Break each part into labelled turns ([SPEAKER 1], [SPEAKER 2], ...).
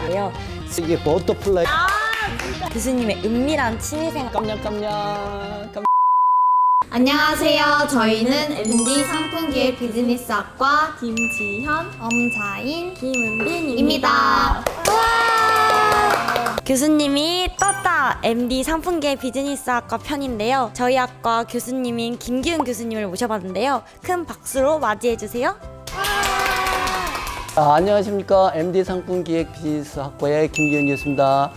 [SPEAKER 1] 편인데요.
[SPEAKER 2] 이게 버터플라이.
[SPEAKER 1] 교수님의 은밀한 취미생활.
[SPEAKER 2] 깜냥깜냥.
[SPEAKER 3] 안녕하세요. 저희는 MD 상품기획 비즈니스학과
[SPEAKER 4] 김지현,
[SPEAKER 3] 엄자인
[SPEAKER 1] 김은빈입니다. 교수님이 떴다! MD 상품계 비즈니스학과 편인데요. 저희 학과 교수님인 김기훈 교수님을 모셔봤는데요. 큰 박수로 맞이해주세요.
[SPEAKER 2] 안녕하십니까. MD 상품기획 비즈니스학과의 김기훈 교수입니다.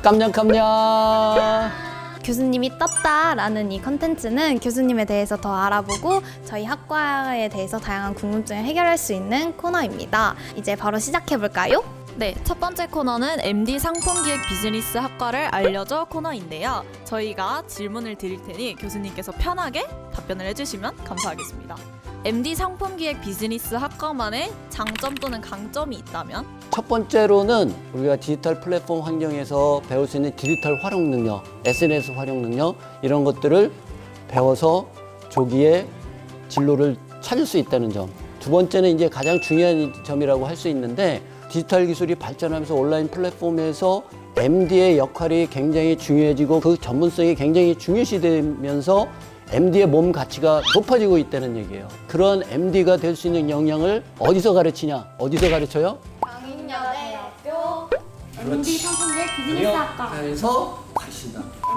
[SPEAKER 2] 깜냥깜냥.
[SPEAKER 3] 교수님이 떴다라는 이 컨텐츠는 교수님에 대해서 더 알아보고 저희 학과에 대해서 다양한 궁금증을 해결할 수 있는 코너입니다. 이제 바로 시작해볼까요?
[SPEAKER 4] 네, 첫 번째 코너는 MD 상품기획 비즈니스 학과를 알려줘 코너인데요. 저희가 질문을 드릴 테니 교수님께서 편하게 답변을 해주시면 감사하겠습니다. MD 상품기획 비즈니스 학과만의 장점 또는 강점이 있다면?
[SPEAKER 2] 첫 번째로는 우리가 디지털 플랫폼 환경에서 배울 수 있는 디지털 활용 능력, SNS 활용 능력 이런 것들을 배워서 조기에 진로를 찾을 수 있다는 점. 두 번째는 이제 가장 중요한 점이라고 할 수 있는데 디지털 기술이 발전하면서 온라인 플랫폼에서 MD의 역할이 굉장히 중요해지고 그 전문성이 굉장히 중요시되면서 MD의 몸 가치가 높아지고 있다는 얘기예요. 그런 MD가 될 수 있는 역량을 어디서 가르치냐? 어디서 가르쳐요?
[SPEAKER 3] 강인여대학교
[SPEAKER 2] MD
[SPEAKER 3] 상품기획 비즈니스학과.
[SPEAKER 2] 그래서 가르친다.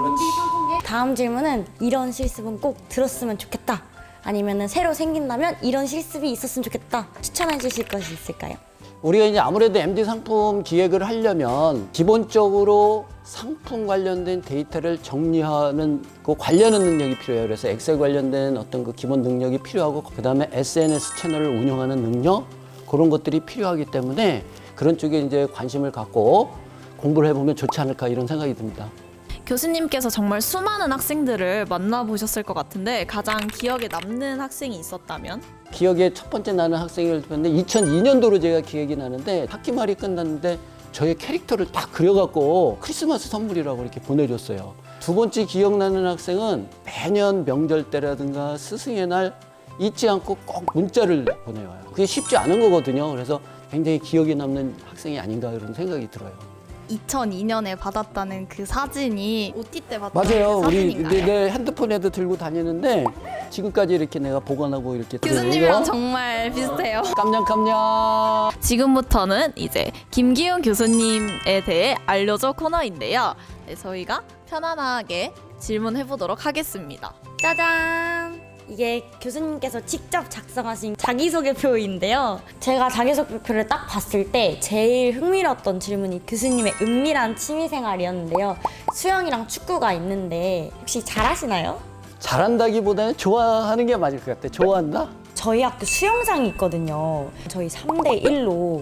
[SPEAKER 1] 다음 질문은 이런 실습은 꼭 들었으면 좋겠다. 아니면 새로 생긴다면 이런 실습이 있었으면 좋겠다. 추천해 주실 것이 있을까요?
[SPEAKER 2] 우리가 이제 아무래도 MD 상품 기획을 하려면 기본적으로 상품 관련된 데이터를 정리하는 그 관련한 능력이 필요해요. 그래서 엑셀 관련된 어떤 그 기본 능력이 필요하고 그다음에 SNS 채널을 운영하는 능력 그런 것들이 필요하기 때문에 그런 쪽에 이제 관심을 갖고 공부를 해보면 좋지 않을까 이런 생각이 듭니다.
[SPEAKER 4] 교수님께서 정말 수많은 학생들을 만나보셨을 것 같은데 가장 기억에 남는 학생이 있었다면?
[SPEAKER 2] 기억에 첫 번째 나는 학생을 봤는데 2002년도로 제가 기억이 나는데 학기 말이 끝났는데 저의 캐릭터를 딱 그려갖고 크리스마스 선물이라고 이렇게 보내줬어요. 두 번째 기억나는 학생은 매년 명절 때라든가 스승의 날 잊지 않고 꼭 문자를 보내와요. 그게 쉽지 않은 거거든요. 그래서 굉장히 기억에 남는 학생이 아닌가 이런 생각이 들어요.
[SPEAKER 3] 2002년에 받았다는 그 사진이 OT 때 받았다는
[SPEAKER 2] 맞아요.
[SPEAKER 3] 그
[SPEAKER 2] 우리
[SPEAKER 3] 사진인가요?
[SPEAKER 2] 내 핸드폰에도 들고 다니는데 지금까지 이렇게 내가 보관하고 이렇게
[SPEAKER 3] 교수님이랑 정말 비슷해요.
[SPEAKER 2] 깜냥깜냥.
[SPEAKER 4] 지금부터는 이제 김기훈 교수님에 대해 알려줘 코너인데요. 네, 저희가 편안하게 질문해보도록 하겠습니다.
[SPEAKER 1] 짜잔! 이게 교수님께서 직접 작성하신 자기소개표인데요. 제가 자기소개표를 딱 봤을 때 제일 흥미로웠던 질문이 교수님의 은밀한 취미생활이었는데요. 수영이랑 축구가 있는데 혹시 잘하시나요?
[SPEAKER 2] 잘한다기보다는 좋아하는 게 맞을 것 같아. 좋아한다?
[SPEAKER 1] 저희 학교 수영장이 있거든요. 저희 3대1로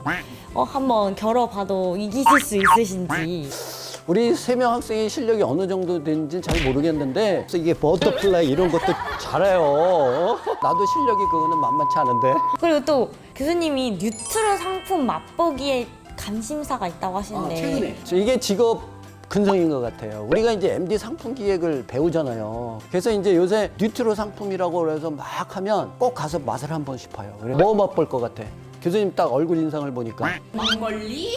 [SPEAKER 1] 한번 겨뤄봐도 이기실 수 있으신지.
[SPEAKER 2] 우리 3명 학생의 실력이 어느 정도 되는지는 잘 모르겠는데 그래서 이게 버터플라이 이런 것도 잘해요. 나도 실력이 그거는 만만치 않은데.
[SPEAKER 1] 그리고 또 교수님이 뉴트로 상품 맛보기에 관심사가 있다고 하시는데
[SPEAKER 2] 최근에. 이게 직업 근성인 것 같아요. 우리가 이제 MD 상품 기획을 배우잖아요. 그래서 이제 요새 뉴트로 상품이라고 그래서 막 하면 꼭 가서 맛을 한번 싶어요. 그래 뭐 맛볼 것 같아? 교수님 딱 얼굴 인상을 보니까
[SPEAKER 4] 막걸리?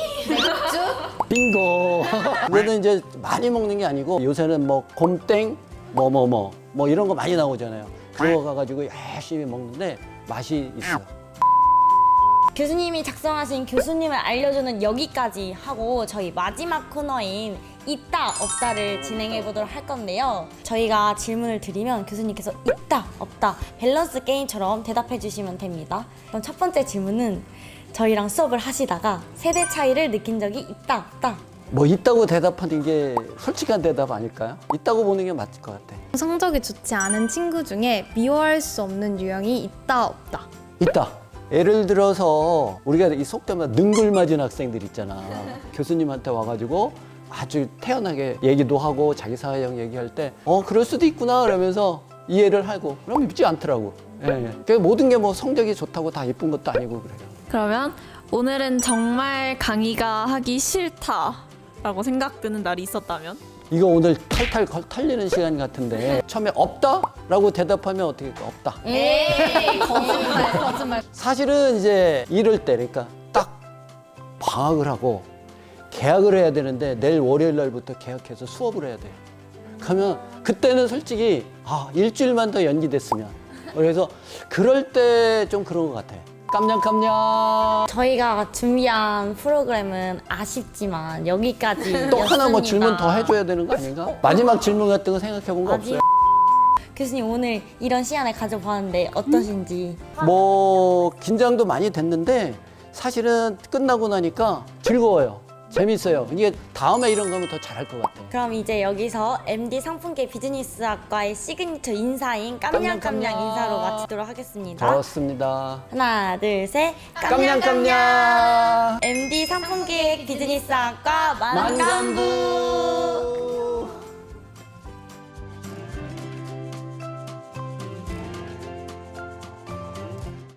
[SPEAKER 2] 빙고. 그래도 이제 많이 먹는 게 아니고 요새는 뭐 곰땡 뭐 이런 거 많이 나오잖아요. 그거 가가지고 열심히 먹는데 맛이 있어.
[SPEAKER 1] 교수님이 작성하신 교수님을 알려주는 여기까지 하고 저희 마지막 코너인 있다 없다를 진행해 보도록 할 건데요. 저희가 질문을 드리면 교수님께서 있다 없다 밸런스 게임처럼 대답해 주시면 됩니다. 그럼 첫 번째 질문은 저희랑 수업을 하시다가 세대 차이를 느낀 적이 있다 없다.
[SPEAKER 2] 뭐 있다고 대답하는 게 솔직한 대답 아닐까요? 있다고 보는 게 맞을 것 같아.
[SPEAKER 3] 성적이 좋지 않은 친구 중에 미워할 수 없는 유형이 있다 없다.
[SPEAKER 2] 있다. 예를 들어서 우리가 이 속담에 능글맞은 학생들 있잖아. 교수님한테 와가지고 아주 태연하게 얘기도 하고 자기 사회형 얘기할 때 그럴 수도 있구나 그러면서 이해를 하고 그럼 믿지 않더라고. 예. 그 모든 게 뭐 성적이 좋다고 다 예쁜 것도 아니고 그래요.
[SPEAKER 4] 그러면 오늘은 정말 강의가 하기 싫다라고 생각드는 날이 있었다면?
[SPEAKER 2] 이거 오늘 탈탈 털리는 시간 같은데 처음에 없다라고 대답하면 어떻게 할까? 없다.
[SPEAKER 3] 에이 거짓말.
[SPEAKER 2] 사실은 이제 이럴 때 그러니까 딱 방학을 하고 계약을 해야 되는데 내일 월요일 날부터 계약해서 수업을 해야 돼요. 그러면 그때는 솔직히 일주일만 더 연기됐으면. 그래서 그럴 때 좀 그런 것 같아요. 깜냥깜냥.
[SPEAKER 1] 저희가 준비한 프로그램은 아쉽지만 여기까지.
[SPEAKER 2] 또 하나 뭐 질문 더 해줘야 되는 거 아닌가? 마지막 질문 같은 거 생각해 본 거 없어요?
[SPEAKER 1] 교수님 오늘 이런 시간을 가져봤는데 어떠신지?
[SPEAKER 2] 뭐 긴장도 많이 됐는데 사실은 끝나고 나니까 즐거워요. 재밌어요. 이게 다음에 이런 거면 더 잘할 것 같아요.
[SPEAKER 1] 그럼 이제 여기서 MD 상품계 비즈니스학과의 시그니처 인사인 깜냥깜냥 인사로 마치도록 하겠습니다.
[SPEAKER 2] 좋습니다.
[SPEAKER 1] 하나, 둘, 셋.
[SPEAKER 2] 깜냥깜냥.
[SPEAKER 1] MD 상품기획 비즈니스학과 만감부.
[SPEAKER 2] 만감부.